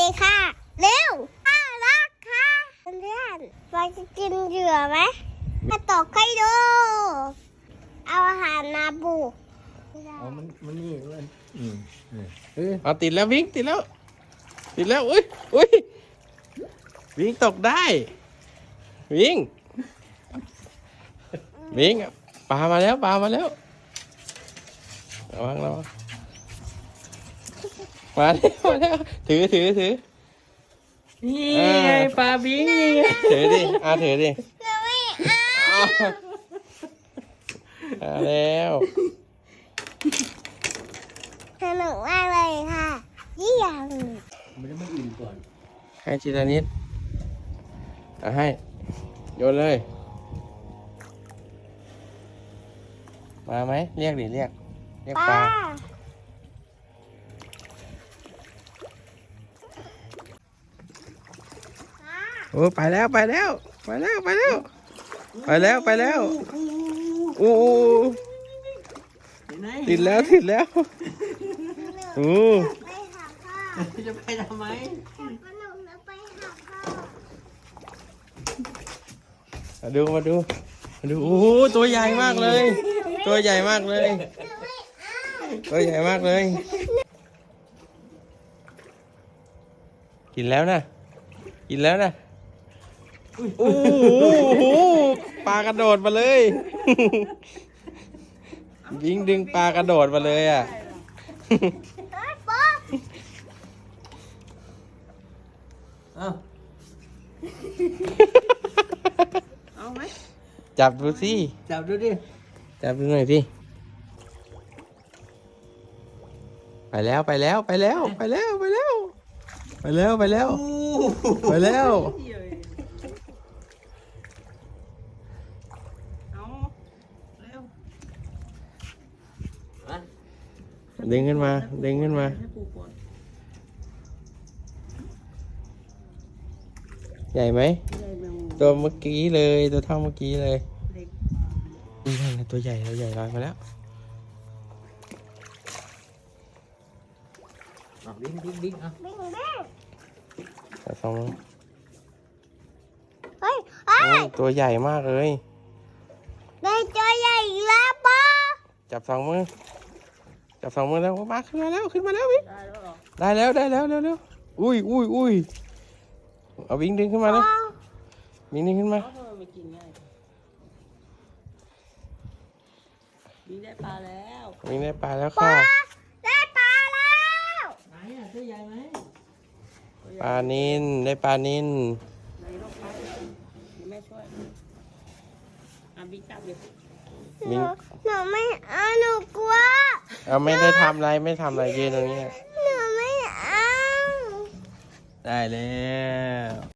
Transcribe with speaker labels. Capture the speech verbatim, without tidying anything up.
Speaker 1: ค่ะเร็วน่ารักค่ะเพื่อนๆเราจะกินเหยื่อไหมมาตกให้ดูเอาอาหารมาปู
Speaker 2: อ๋อมันมันนี่มันอืมเออ
Speaker 3: เอาติดแล้ววิ่งติดแล้วติดแล้วอุ้ยอุ้ยวิ่งตกได้วิ่งวิ่งปลามาแล้วปลามาแล้วระวังระวังมาแล้วมาแล้วถือถือถือ
Speaker 2: นี่ไงปลาบิงนี่ไง
Speaker 3: ถือดิอาถือดิ
Speaker 1: เราไม่เอา
Speaker 3: มาแล้ว
Speaker 1: สนุกมากเลยค่ะยี่ยัง
Speaker 2: มันจะไม่อิ่มก่อน
Speaker 3: ให้ทีละนิดเอาให้โยนเลยมาไหมเรียกดิเรียกเรียก
Speaker 1: ป้า
Speaker 3: ปลาโอ้ไปแล้วไปแล้วไปแล้วไปแล้วไปแล้วไปแล้วโอ้ติดแล้วติดแล้วโอ้
Speaker 1: ไปหาพ่อ
Speaker 2: จะไปทำไม
Speaker 1: ขนมแล้วไปหาพ่อ
Speaker 3: มาดูมาดูมาดูโอ้โหตัวใหญ่มากเลย ตัวใหญ่มากเลย ตัวใหญ่มากเลย กินแล้วนะกินแล้วนะโอ้โหปลากระโดดมาเลยยิงดึงปลากระโดดมาเลยอ่ะ
Speaker 1: ป๊า
Speaker 2: เอ้าเอาไหม
Speaker 3: จับดูสิ
Speaker 2: จับดูดิ
Speaker 3: จับดูหน่อยสิไปแล้วไปแล้วไปแล้วไปแล้วไปแล้วไปแล้วไปแล้วไปแล้ว
Speaker 2: เอาเร็วมา
Speaker 3: ดึงขึ้นมาดึงขึ้นมา
Speaker 2: ให้ปูก่อน
Speaker 3: ใหญ่ไหม
Speaker 2: ได้แมงมุม
Speaker 3: ตัวเมื่อกี้เลยตัวเท่าเมื่อกี้เลย
Speaker 2: เล็ก
Speaker 3: นี่นั่นน่ะตัวใหญ่ตัวใหญ่ลอยมาแล้ว
Speaker 2: เอาดิ้งดิ้งดิ้งเอา
Speaker 1: บิงบิง
Speaker 3: แต่สองมือ
Speaker 1: เฮ้ยเฮ้
Speaker 3: โอ้
Speaker 1: ย
Speaker 3: ยตัวใหญ่มากเลย
Speaker 1: ได้ตัวใหญ่อีกแล้วป้า
Speaker 3: จับสองมือจับสองมือแล้วมาขึ้นมาแล้วขึ้นมาแล้ววิ่ง
Speaker 2: ได้แล้วเหรอ
Speaker 3: ได้แล้วได้แล้วเร็วเร็วอุ้ยอุ้ยอุ้ยเอาวิ่งดึงขึ้นมาแล้ววิ่งดึงขึ้นมา
Speaker 2: เอาทำไมไม่กินง่ายบิงได้ปลาแล้ว
Speaker 3: วิ่งได้ปลาแล้ว
Speaker 1: ป้า
Speaker 3: ค่ะ
Speaker 1: ได้ปลาแล้ว
Speaker 2: ไหนอ่ะตัวใหญ่ไหม
Speaker 3: ปลานินได้ปลานิน
Speaker 2: ไหนลองไปเดี๋ยวแม่ช่วยอ่ะบิงจับเลย
Speaker 1: หนูหนูไม่เอาหนูกลัว
Speaker 3: เอาไม่ได้ทำอะไรไม่ทำอะไรยืนตรงนี้
Speaker 1: หนูไม่เอา
Speaker 3: ได้แล้ว